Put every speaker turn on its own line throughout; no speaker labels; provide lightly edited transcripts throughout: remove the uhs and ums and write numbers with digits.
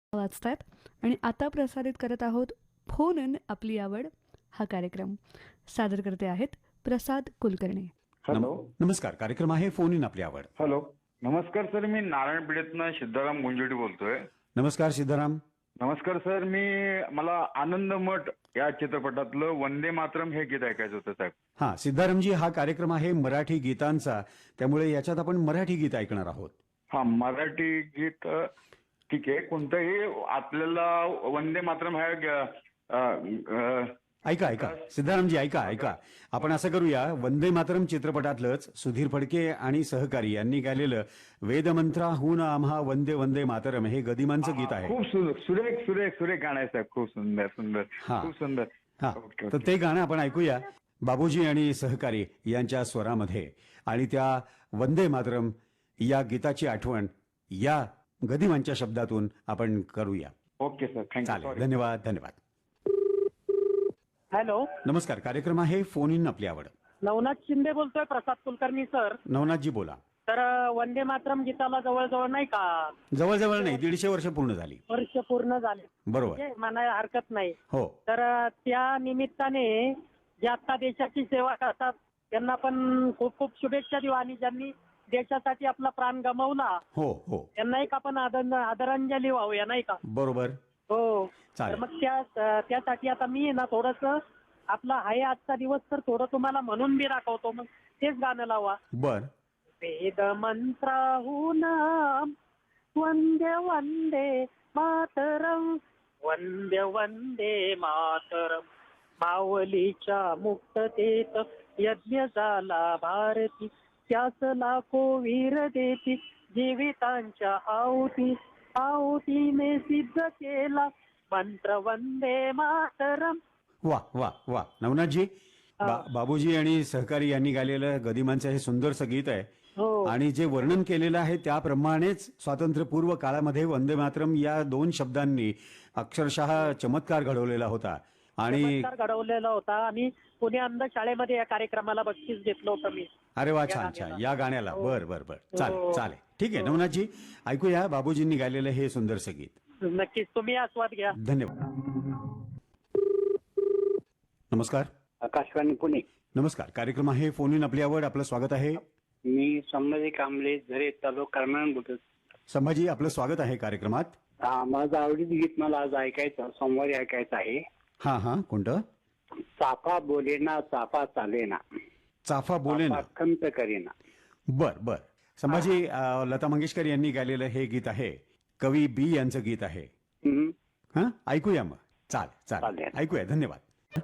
वाचतायत आणि आता प्रसारित करत आहोत फोन इन आपली आवड हा कार्यक्रम. सादर करते आहेत प्रसाद कुलकर्णी.
हॅलो.
नमस्कार. कार्यक्रम आहे फोन इन आपली आवड.
हॅलो. नमस्कार सर, मी नारायणपेठेतनं सिद्धाराम गुंजोटी बोलतोय.
नमस्कार सिद्धाराम.
नमस्कार सर, मला आनंद मठ या चित्रपटातलं वंदे मातरम हे गीत ऐकायचं होतं साहेब.
हा सिद्धारामजी, हा कार्यक्रम आहे मराठी गीतांचा, त्यामुळे याच्यात आपण मराठी गीत ऐकणार आहोत.
हा मराठी गीत ठीक आहे, कोणतंही आपल्याला वंदे मातरम
ऐका ऐका सिद्धारामजी, ऐका आपण असं करूया, वंदे मातरम चित्रपटातलंच सुधीर फडके आणि सहकारी यांनी गायलेलं वेदमंत्राहून आम्हा वंदे वंदे मातरम हे गदिमांचं गीत आहे.
खूप सुरेख सुरेख सुरेख गाणं आहे साहेब. खूप सुंदर सुंदर खूप सुंदर.
हा, तर ते गाणं आपण ऐकूया बाबूजी आणि सहकारी यांच्या स्वरामध्ये, आणि त्या वंदे मातरम या गीताची आठवण या गदिमांच्या शब्दातून आपण करूया.
Okay sir, thank you.
चालेल, धन्यवाद धन्यवाद.
हॅलो.
नमस्कार. कार्यक्रम आहे फोन इन आपली आवड.
नवनाथ शिंदे बोलतोय, प्रसाद कुलकर्णी सर.
नवनाथजी बोला.
तर वंदे मातरम गीताला जवळजवळ नाही का,
जवळजवळ नाही, 150 वर्ष पूर्ण झाली.
वर्ष पूर्ण झाले,
बरोबर.
म्हणजे म्हणायला हरकत नाही.
हो.
तर त्या निमित्ताने जे आता देशाची सेवा करतात त्यांना पण खूप खूप शुभेच्छा देऊ, आणि ज्यांनी देशासाठी आपला प्राण गमावला
हो हो
त्यांना एक आपण आदरांजली वाहूया, नाही का.
बरोबर.
हो.
चालेल.
तर मग त्यासाठी आता मी ना थोडस आपला आहे आजचा दिवस तर थोडं तुम्हाला म्हणून मी दाखवतो, मग तेच गाणं लावा.
बर.
वेद मंत्राहून वंदे वंदे मातरम, वंदे वंदे मातरम. मावलीच्या मुक्ततेत यज्ञ झाला भारती, त्यास लाखो वीर देती जीवितांच्या आहुतीने सिद्ध केला मंत्र वंदे मातरम.
वा वा वा. नवनाथजी, बाबूजी आणि सहकारी यांनी गायलेलं गदिमांचं हे सुंदरसं गीत आहे.
हो.
आणि जे वर्णन केलेलं आहे त्याप्रमाणेच स्वातंत्र्यपूर्व काळामध्ये वंदे मातरम या 2 शब्दांनी अक्षरशः चमत्कार घडवलेला होता. आणि
चमत्कार घडवलेला होता, आणि पुणे अंध शाळेमध्ये या कार्यक्रमाला बक्षीस घेतलं होतं मी.
अरे वा, छान छान. या गाण्याला. बर बर बर. चालेल
हो.
चालेल, ठीक आहे. नवनाथजी, ऐकूया बाबूजींनी गायलेलं हे सुंदरसं गीत.
नक्कीच तुम्ही आस्वाद घ्या.
धन्यवाद. नमस्कार.
आकाशवाणी पुणे.
नमस्कार. कार्यक्रम आहे फोन इन आपली आवड. आपलं स्वागत आहे.
मी संभाजी कांबळे, झरे, तालुका करमाळा बोलतो.
संभाजी, आपलं स्वागत आहे कार्यक्रमात.
माझं आवडीचं गीत मला आज ऐकायचं, सोमवारी ऐकायचं आहे.
हा, कोणतं?
चाफा बोलेना चाफा चालेना,
चाफा बोले ना.
खंत करेना.
बर बर. संभाजी, लता मंगेशकर यांनी गायलेलं हे गीत आहे, कवी बी यांचं गीत आहे.
हम्म.
हा, ऐकूया मग. चालेल,
चालेल.
ऐकूया. धन्यवाद.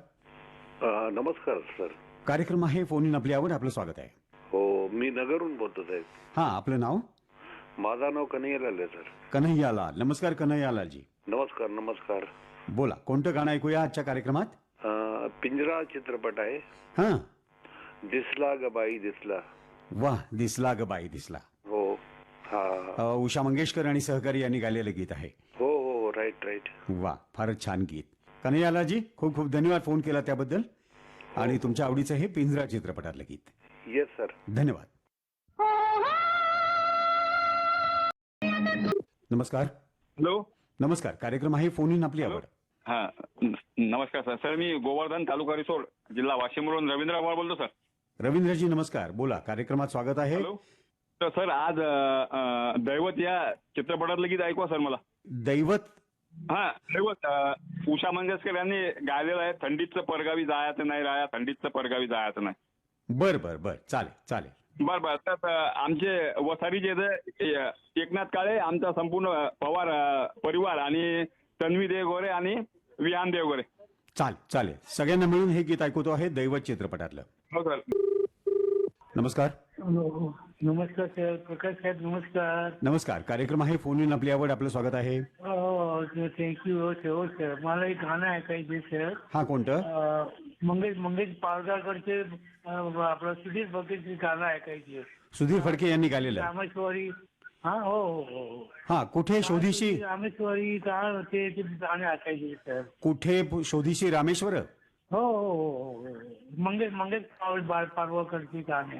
नमस्कार सर.
कार्यक्रम आहे फोन इन आपली आवड. आपलं स्वागत आहे.
हो, मी नगरहून बोलतो साहेब.
हा, आपलं नाव?
माझं नाव कन्हैयालाल आहे सर.
कन्हैयालाल. नमस्कार कन्हैयालालजी.
नमस्कार नमस्कार.
बोला, कोणतं गाणं ऐकूया आजच्या कार्यक्रमात?
पिंजरा चित्रपट आहे.
हा.
दिसला ग बाई दिसला.
वा, दिसला ग बाई दिसला.
हो. हा.
उषा मंगेशकर आणि सहकारी यांनी गायलेलं गीत आहे.
हो हो, राईट राईट.
वा, फारच छान गीत. कन्हैयालालजी, खूप खूप धन्यवाद फोन केला त्याबद्दल. आणि तुमच्या आवडीचं हे पिंजरा चित्रपटातलं गीत.
Yes sir.
धन्यवाद. नमस्कार.
हॅलो.
नमस्कार. कार्यक्रम आहे फोन इन आपली आवड.
हा, नमस्कार सर. सर, मी गोवर्धन, तालुका रिसोड, जिल्हा वाशिमवरून रवींद्र आव्हाड बोलतो सर.
रवींद्रजी नमस्कार. बोला, कार्यक्रमात स्वागत आहे.
हॅलो. तर सर, आज दैवत या चित्रपटातलं गीत ऐकवा सर मला.
दैवत.
हा, दैवत उषा मंगेशकर यांनी गायलेलं आहे. थंडीचं परगावी जायचं नाही राया, थंडीचं परगावी जायचं नाही.
बर बर बर. चालेल.
बर. तर आमचे वसारीचे जे एकनाथ काळे, आमचा संपूर्ण पवार परिवार, आणि तन्वी देवगोरे आणि विहान देवगोरे.
चालेल. सगळ्यांना मिळून हे गीत ऐकवतो आहे दैवत चित्रपटातलं.
हो सर.
नमस्कार.
नमस्कार सर, प्रकाश साहेब नमस्कार.
नमस्कार. कार्यक्रम आहे फोन इन आपली आवड. आपलं स्वागत आहे.
थँक्यू. हो सर, मला एक गाणं ऐकायचे सर.
हा, कोणतं?
मंगेश पाळगावकरचे आपलं सुधीर फडकेचे गाणं ऐकायचे.
सुधीर फडके यांनी गायलेलं.
रामेश्वरी. हा, हो.
हा, कुठे शोधीशी
रामेश्वरी गाणं होते, ते गाणे ऐकायचे सर.
कुठे शोधीशी रामेश्वर.
हो. मंगेश पाळगावकरचे गाणे.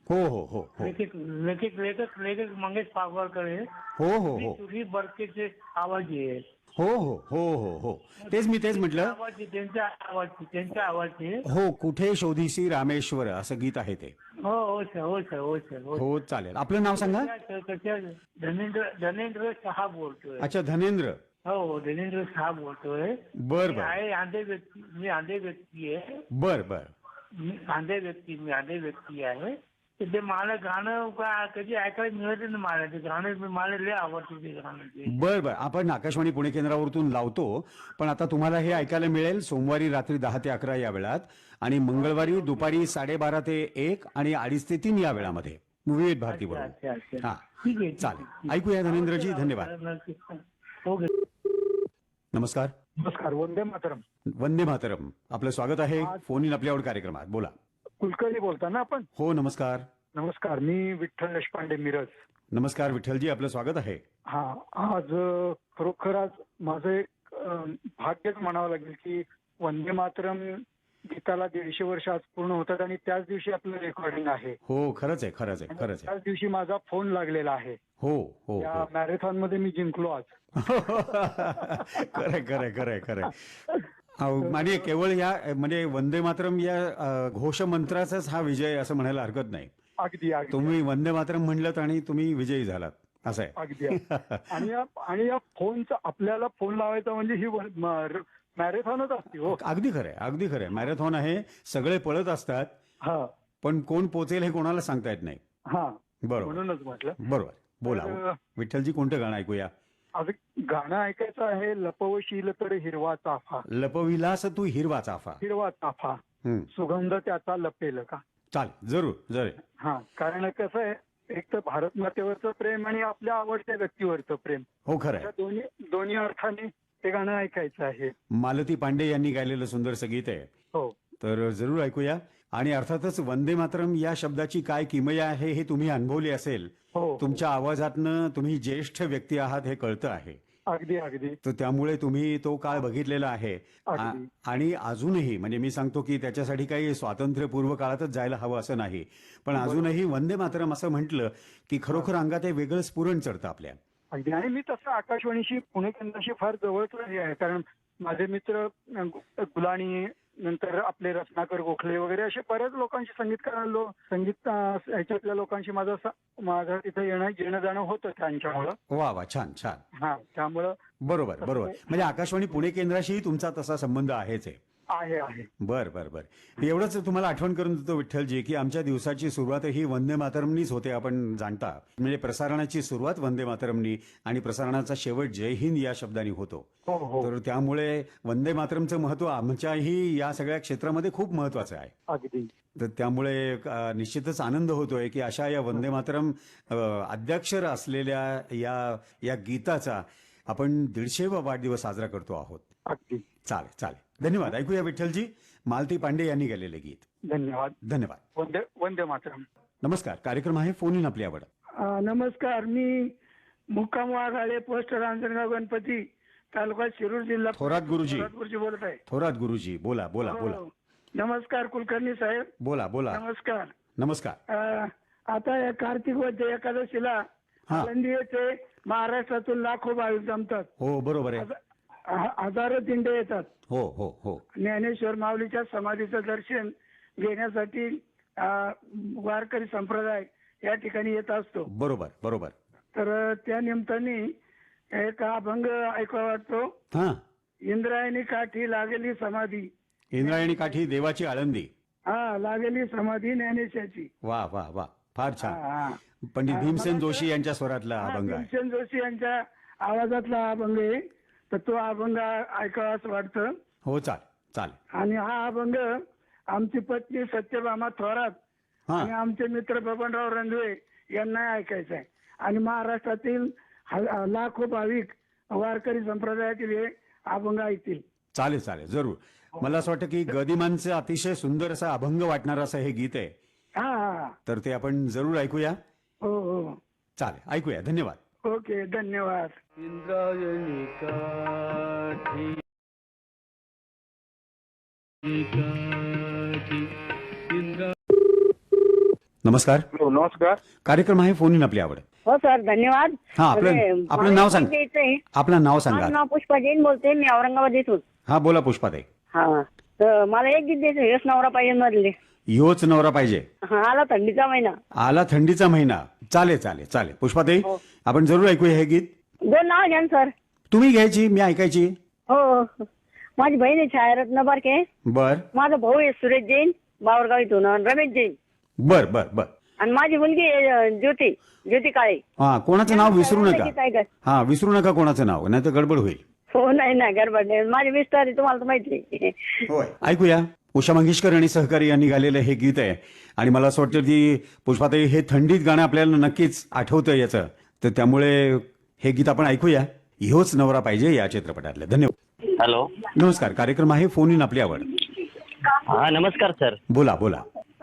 हो हो हो हो
लेखक मंगेश पागवारकर आहे.
हो हो हो
सुरी बरकेचे आवाज आहे.
हो हो हो हो हो तेच म्हटलं.
आवाज आहे, त्यांच्या आवाज आहे.
हो, कुठे शोधीसी रामेश्वर असं गीत आहे ते.
हो सर, हो सर, हो सर, हो.
हो चालेल. आपलं नाव सांगा.
धनेंद्र शहा बोलतोय.
अच्छा, धनेंद्र.
हो, धनेंद्र शहा बोलतोय.
बर
मी
बर
आहे आंधे व्यक्ती आहे.
बर बर
मी आंधे व्यक्ती आहे. तर ते मला गाणं कधी ऐकायला मिळत नाही. मला ते गाणं मला लय आवडतं ते गाणं ते.
बर बर आपण आकाशवाणी पुणे केंद्रावरतून लावतो, पण आता तुम्हाला हे ऐकायला मिळेल सोमवारी रात्री 10 ते 11 या वेळात आणि मंगळवारी दुपारी 12:30 ते 1 आणि 2:30 ते 3 या वेळामध्ये विविध भारती
अच्छा,
बरोबर.
अच्छा.
हा
ठीक आहे,
चालेल. ऐकूया धनेंद्रजी. धन्यवाद.
ओके.
नमस्कार.
नमस्कार. वंदे मातरम.
वंदे मातरम. आपलं स्वागत आहे फोन इन आपल्यावर कार्यक्रमात. बोला.
कुलकर्णी बोलता ना आपण?
हो नमस्कार.
नमस्कार. मी विठ्ठल देशपांडे, मिरज.
नमस्कार विठ्ठलजी, आपलं स्वागत आहे.
हा, आज खरोखर आज माझं एक भाग्यच म्हणावं लागेल की वंदे मातरम गीताला 150 वर्ष आज पूर्ण होतात आणि त्याच दिवशी आपलं रेकॉर्डिंग आहे.
हो खरंच आहे, खरंच आहे, खरंच आहे.
त्याच दिवशी माझा फोन लागलेला आहे.
हो हो
त्या
हो.
मॅरेथॉन मध्ये मी जिंकलो आज.
खरंय खरंय खरंय खरंय. म्हणजे केवळ या म्हणजे वंदे मातरम या घोष मंत्राचाच हा विजय असं म्हणायला हरकत नाही.
अगदी अगदी
तुम्ही वंदे मातरम म्हणलं आणि तुम्ही विजयी झालात असं आहे.
अगदी. आणि या फोनचा आपल्याला फोन लावायचा म्हणजे ही मॅरेथॉनच असते. हो,
अगदी खरंय, अगदी खरंय. मॅरेथॉन आहे, सगळे पळत असतात,
हा
पण कोण पोचेल हे कोणाला सांगता येत नाही.
हा,
बरोबर
म्हणूनच म्हटलं.
बरोबर. बोला
तर,
विठ्ठलजी, कोणतं गाणं ऐकूया?
आज गाणं ऐकायचं आहे. लपवशील तर हिरवा चाफा,
लपविलास तू हिरवा चाफा,
हिरवा चाफा, सुगंध त्याचा लपेल का.
चालेल, जरूर जरूर.
हा, कारण कसं आहे, एक तर भारत मातेवरचं प्रेम आणि आपल्या आवडत्या व्यक्तीवरचं प्रेम,
हो खरंय.
या दोन्ही अर्थाने ते गाणं ऐकायचं आहे.
मालती पांडे यांनी गायलेलं सुंदरसं गीत आहे.
हो,
तर जरूर ऐकूया. आणि अर्थातच वंदे मातरम या शब्दाची काय किमया आहे हे तुम्ही अनुभवली असेल.
हो,
तुमच्या आवाजातनं तुम्ही ज्येष्ठ व्यक्ती आहात हे कळतं आहे.
अगदी अगदी
तर त्यामुळे तुम्ही तो काळ बघितलेला आहे.
अगदी.
आणि अजूनही म्हणजे मी सांगतो की त्याच्यासाठी काही स्वातंत्र्यपूर्व काळातच जायला हवं असं नाही, पण अजूनही वंदे मातरम असं म्हटलं की खरोखर अंगात हे वेगळं स्फुरण चढतं आपल्या.
अगदी. आणि मी तसं आकाशवाणीशी पुणे केंद्राशी फार जवळच आहे, कारण माझे मित्र गुलाणी, नंतर आपले रत्नाकर गोखले वगैरे असे बऱ्याच लोकांशी संगीत ह्याच्यातल्या लोकांशी माझं तिथे येणं जाणं होतं त्यांच्यामुळं.
वा वा, छान छान.
हा, त्यामुळं
बरोबर बरोबर. म्हणजे आकाशवाणी पुणे केंद्राशीही तुमचा तसा संबंध आहेच आहे.
आहे.
बर बर बर. एवढंच तुम्हाला आठवण करून देतो विठ्ठलजी की आमच्या दिवसाची सुरुवात ही वंदे मातरमनीच होते, आपण जाणता. म्हणजे प्रसारणाची सुरुवात वंदे मातरमनी आणि प्रसारणाचा शेवट जय हिंद या शब्दांनी होतो. तर त्यामुळे वंदे मातरमचं महत्व आमच्याही या सगळ्या क्षेत्रामध्ये खूप महत्वाचं आहे.
अगदी.
तर त्यामुळे निश्चितच आनंद होतोय की अशा या वंदे मातरम अद्याक्षर असलेल्या या गीताचा आपण 150वा वाढदिवस साजरा करतो आहोत.
अगदी.
चालेल चालेल. धन्यवाद. ऐकूया विठ्ठलजी, मालती पांडे यांनी गायलेले गीत.
धन्यवाद.
धन्यवाद.
वंदे मातरम.
नमस्कार. कार्यक्रम आहे फोन इन आपली आवड.
नमस्कार. मी मुक्काम वाघाळे, पोस्ट रांजणगाव गणपती, तालुका शिरूर, जिल्हा
थोरात गुरुजी
बोलत आहे.
थोरात गुरुजी, बोला बोला बोला.
नमस्कार कुलकर्णी साहेब.
बोला बोला.
नमस्कार.
नमस्कार.
आता या कार्तिक वद्य एकादशीला आळंदी येथे महाराष्ट्रातून लाखो भाविक जमतात.
हो बरोबर आहे.
हजारो दिंडे येतात.
हो हो हो.
ज्ञानेश्वर माऊलीच्या समाधीचं दर्शन घेण्यासाठी वारकरी संप्रदाय या ठिकाणी येत असतो.
बरोबर बरोबर.
तर त्या निमित्ताने एक अभंग ऐकावा वाटतो.
हा.
इंद्रायणी काठी लागेली समाधी,
इंद्रायणी काठी देवाची आळंदी.
हा, लागेली समाधी ज्ञानेशाची.
वा वा वा, फार छान. पंडित भीमसेन जोशी यांच्या स्वरातला अभंग आहे.
भीमसेन जोशी यांच्या आवाजातला हा अभंग आहे. तर तो अभंग ऐकावा असं वाटतं.
हो चालेल चालेल.
आणि हा अभंग आमची पत्नी सत्यभामा थोरात आणि आमचे मित्र बबनराव रंगवे यांना ऐकायचं आहे. आणि महाराष्ट्रातील लाखो भाविक वारकरी संप्रदायातील हे अभंग ऐकतील.
चालेल चालेल, जरूर. मला असं वाटतं की गदिमांचं अतिशय सुंदर असा अभंग वाटणार असं हे गीत आहे.
हा,
तर ते आपण जरूर ऐकूया.
हो हो
चालेल, ऐकूया. धन्यवाद.
ओके, धन्यवाद.
इंद्रायणी काठी
नमस्कार.
नमस्कार.
कार्यक्रम आहे फोन इन आपली आवड.
हो सर, धन्यवाद.
हा, आपलं नाव सांग. आपलं नाव सांगा.
माझं नाव पुष्पा जैन बोलते, मी औरंगाबाद येथून.
हा, बोला पुष्पाताई.
हा, तर मला एक गीत द्यायचं, हेच नवरा पाहिजे मधले.
योच नवरा पाहिजे.
हा, आला थंडीचा महिना.
आला थंडीचा महिना. चालेल चालेल चालेल पुष्पाताई, आपण जरूर ऐकूया हे गीत.
2 नाव घ्या ना सर.
तुम्ही घ्यायची, मी ऐकायची.
हो, माझी बहीण आहे छायारत्न बारके.
बर
माझा भाऊ आहे सुरेश जैन बावरगाव इथून, आणि रमेश जैन.
बर बर बर.
आणि माझी मुलगी आहे ज्योती काळे.
हा, कोणाचं नाव विसरू
गीत
नका.
ऐका.
हा, विसरू नका कोणाचं नाव, नाही तर गडबड होईल.
हो, नाही नाही गडबड नाही. माझे मिस्टर आहे, तुम्हाला तर माहिती आहे.
होय. ऐकूया. उषा मंगेशकर आणि सहकारी यांनी गायलेलं हे गीत आहे. आणि मला असं वाटतं की पुष्पाताई, हे थंडीत गाणं आपल्याला नक्कीच आठवतं याचं, तर त्यामुळे हे गीत आपण ऐकूया. ह्योच नवरा पाहिजे या चित्रपटातलं. धन्यवाद.
हॅलो,
नमस्कार. कार्यक्रम आहे फोन इन आपली आवड.
हा नमस्कार सर.
बोला बोला.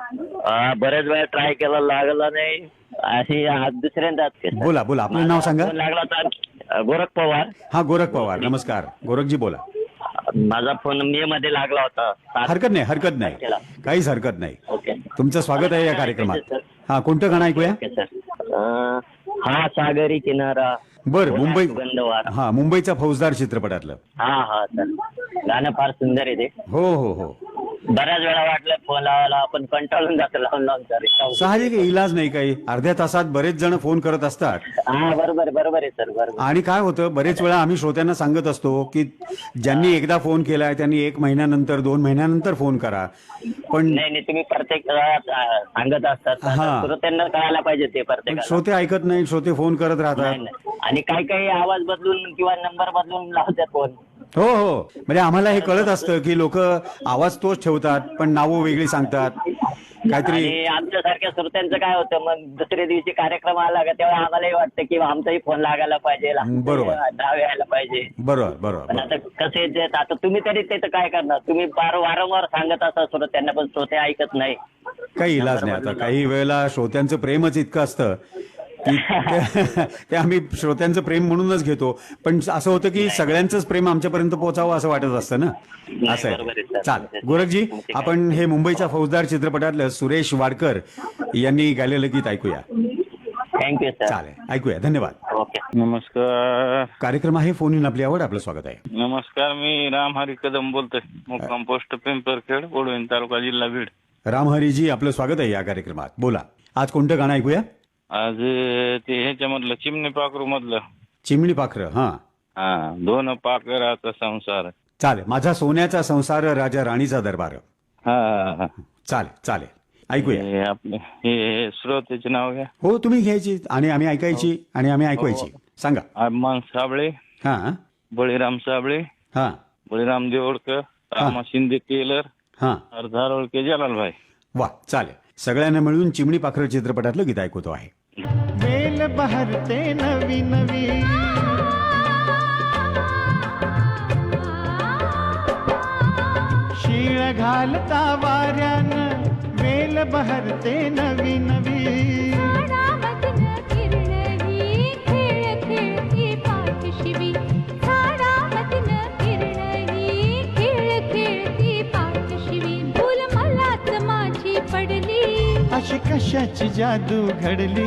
बरेच वेळा ट्राय केला, लागला नाही. अशी दुसऱ्यांदा
बोला बोला. आपलं नाव सांगा.
लागला तर गोरख पवार.
हा, गोरख पवार. नमस्कार गोरखजी, बोला.
माझा फोन मे मध्ये लागला होता.
हरकत नाही, हरकत नाही, काहीच हरकत नाही.
ओके,
तुमचं स्वागत आहे या कार्यक्रमात. हा, कोणतं गाणं ऐकूया?
Okay sir. हा सागरी किनारा.
बर, मुंबई.
सुगंधवार.
हा, मुंबईचा फौजदार चित्रपटातलं.
हा हा सर, गाणं फार सुंदर आहे ते.
हो हो हो.
बऱ्याच वेळा वाटलं फोन लावायला, आपण कंटाळून जातो लावून लावून सर.
साहजिक आहे, इलाज नाही काही. अर्ध्या तासात बरेच जण फोन करत असतात.
हा बरोबर बरोबर आहे सर, बरोबर.
आणि काय होतं, बरेच वेळा आम्ही श्रोत्यांना सांगत असतो की ज्यांनी एकदा फोन केलाय त्यांनी 1 महिन्यानंतर 2 महिन्यानंतर फोन करा. पण
नाही तुम्ही प्रत्येक सांगत असतात,
हा.
श्रोत्यांना कळायला पाहिजे ते प्रत्येक.
श्रोते ऐकत नाही, श्रोते फोन करत राहतात.
आणि काही काही आवाज बदलून किंवा नंबर बदलून लावतात फोन.
हो हो, म्हणजे आम्हाला हे कळत असतं की लोक आवाज तोच ठेवतात पण नावं वेगळी सांगतात काहीतरी.
आणि आमच्यासारख्या श्रोत्यांचं काय होतं, मग दुसऱ्या दिवशी कार्यक्रम आला का तेव्हा आम्हालाही वाटतं की आमचाही फोन लागायला पाहिजे,
बरोबर.
नाव यायला पाहिजे.
बरोबर बरोबर.
पण आता कसे देत, आता तुम्ही तरी ते तर काय करणार, तुम्ही वारंवार सांगत असा श्रोत्यांना, पण श्रोते ऐकत नाही.
काही इलाज नाही. आता काही वेळेला श्रोत्यांचं प्रेमच इतकं असतं की ते आम्ही श्रोत्यांचं प्रेम म्हणूनच घेतो. पण असं होतं की सगळ्यांचंच प्रेम आमच्यापर्यंत पोहोचावं असं वाटत असतं ना. असं आहे. चाल गोरखजी, आपण हे मुंबईचा फौजदार चित्रपटातलं सुरेश वाडकर यांनी गायलेलं गीत ऐकूया.
Thank you sir.
चालेल, ऐकूया. धन्यवाद.
ओके.
नमस्कार.
कार्यक्रम आहे फोन इन आपली आवड. आपलं स्वागत आहे.
नमस्कार, मी रामहरी कदम बोलतोय, मुक्काम पोस्ट पिंपरखेड, ओढवीन तालुका, जिल्हा बीड.
रामहरीजी, आपलं स्वागत आहे या कार्यक्रमात. बोला, आज कोणतं गाणं ऐकूया?
आज ते ह्याच्यामधलं चिमणी पाखरू मधलं.
चिमणी पाखरं. हा
हा, 2 पाखराचा संसार.
चालेल. माझा सोन्याचा संसार, राजा राणीचा दरबार.
हा,
चालेल चालेल, ऐकूया.
आपले हे श्रोतेचे नाव घ्या.
हो, तुम्ही घ्यायची आणि आम्ही ऐकायची आणि आम्ही ऐकवायची. सांगा.
अभिमान साबळे.
हा.
बळीराम साबळे.
हा.
बळीराम देवडकर. रामा शिंदे टेलर.
हा.
धारोळके जलालभाई.
वा, चालेल. सगळ्यांना मिळून चिमणी पाखरं चित्रपटातलं गीत ऐकवतो आहे.
वेल बहरते नवी नवी, शीळ घालता वाऱ्यानं, वेल बहरते नवी नवी. अशी कशाची जादू घडली,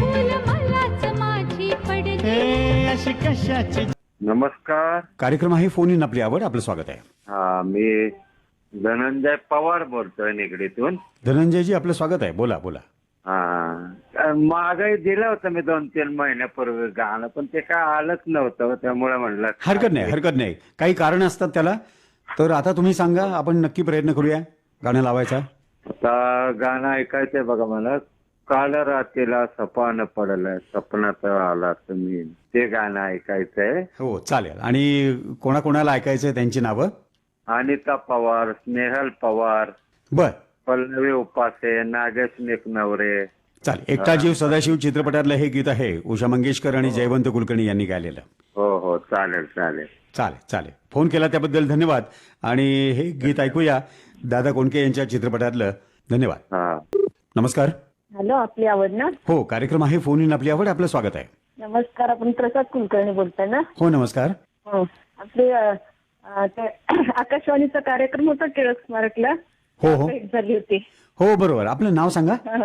हे अशी कशाची.
नमस्कार.
कार्यक्रम आहे फोन इन आपली आवड. आपलं स्वागत आहे.
हा, मी धनंजय पवार बोलतोय निगडीतून.
धनंजयजी, आपलं स्वागत आहे. बोला बोला.
हा, मागे दिलं होतं मी 2-3 महिन्यापूर्वी गाणं, पण ते काय आलंच नव्हतं, त्यामुळे म्हणलं.
हरकत नाही, हरकत नाही. काही कारण असतात त्याला. तर आता तुम्ही सांगा, आपण नक्की प्रयत्न करूया गाणं लावायचा.
आता गाणं ऐकायचंय बघा मला. काल रात्रीला सपान पडलं, सपनात आला तुम्ही, ते गाणं ऐकायचंय.
हो, चालेल. आणि कोणाकोणाला ऐकायचंय त्यांची नावं?
अनिता पवार, स्नेहल पवार,
बर,
पल्लवी उपासे, नागेश निकनवरे.
चालेल. एकटा जीव सदाशिव चित्रपटातलं हे गीत आहे, उषा मंगेशकर आणि जयवंत कुलकर्णी यांनी गायलेलं.
हो हो, चालेल चालेल
चालेल चालेल. फोन केला त्याबद्दल धन्यवाद. आणि हे गीत ऐकूया दादा कोंडके यांच्या चित्रपटातलं. धन्यवाद. नमस्कार.
हॅलो, आपली आवड ना.
हो, कार्यक्रम आहे फोन इन आपली आवड. आपलं स्वागत आहे.
नमस्कार, आपण प्रसाद कुलकर्णी बोलताय ना.
हो, नमस्कार.
हो, आपले आकाशवाणीचा कार्यक्रम होता टिळक स्मारकला.
हो हो
झाली होती.
हो, बरोबर. आपलं नाव सांगा.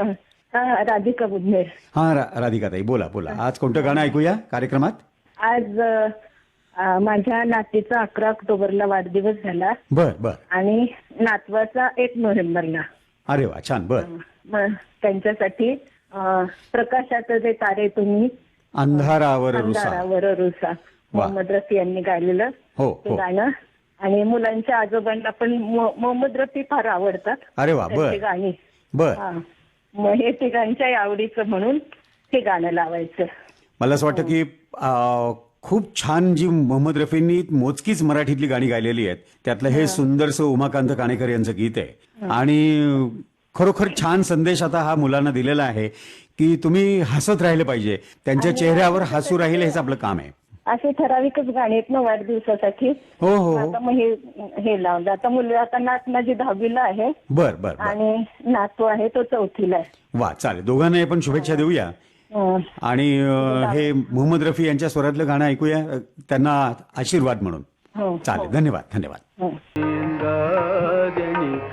राधिका बुधनेर.
हा राधिकाताई बोला बोला. आज कोणतं गाणं ऐकूया कार्यक्रमात?
आज माझ्या नातीचा 11 ऑक्टोबरला वाढदिवस झाला
बर बर.
आणि नातवाचा 1 नोव्हेंबरला.
अरे वा छान. बर.
मग त्यांच्यासाठी प्रकाशाचे जे तारे तुम्ही
अंधारावर रुसा.
अंधारावर रुसा मोहम्मद रफी यांनी गायलेलं
हो
ते
हो.
गाणं. आणि मुलांच्या आजोबांना पण मोहम्मद रफी फार आवडतात.
अरे वा. बर
त्यांची गाणी.
बर.
हा. मग हे तिघांच्याही आवडीचं म्हणून हे गाणं लावायचं.
मला असं वाटतं की खूप छान जी मोहम्मद रफींनी मोजकीच मराठीतली गाणी गायलेली आहेत त्यातलं हे सुंदरसं उमाकांत काणेकर यांचं गीत आहे. आणि खरोखर छान संदेश आता हा मुलांना दिलेला आहे की तुम्ही हसत राहिले पाहिजे, त्यांच्या चेहऱ्यावर हसू राहील हेच आपलं काम आहे.
असे ठराविकच गाणी आहेत ना वाढदिवसासाठी.
हो हो.
आता मग हे लावलं. आता मुलं आता नात माझी 10वीला आहे
बर बर.
आणि नातू आहे तो 4थीला आहे.
वा चालेल. दोघांना आपण शुभेच्छा देऊया. आणि हे मोहम्मद रफी यांच्या स्वरातलं गाणं ऐकूया त्यांना आशीर्वाद म्हणून. चालेल. धन्यवाद धन्यवाद.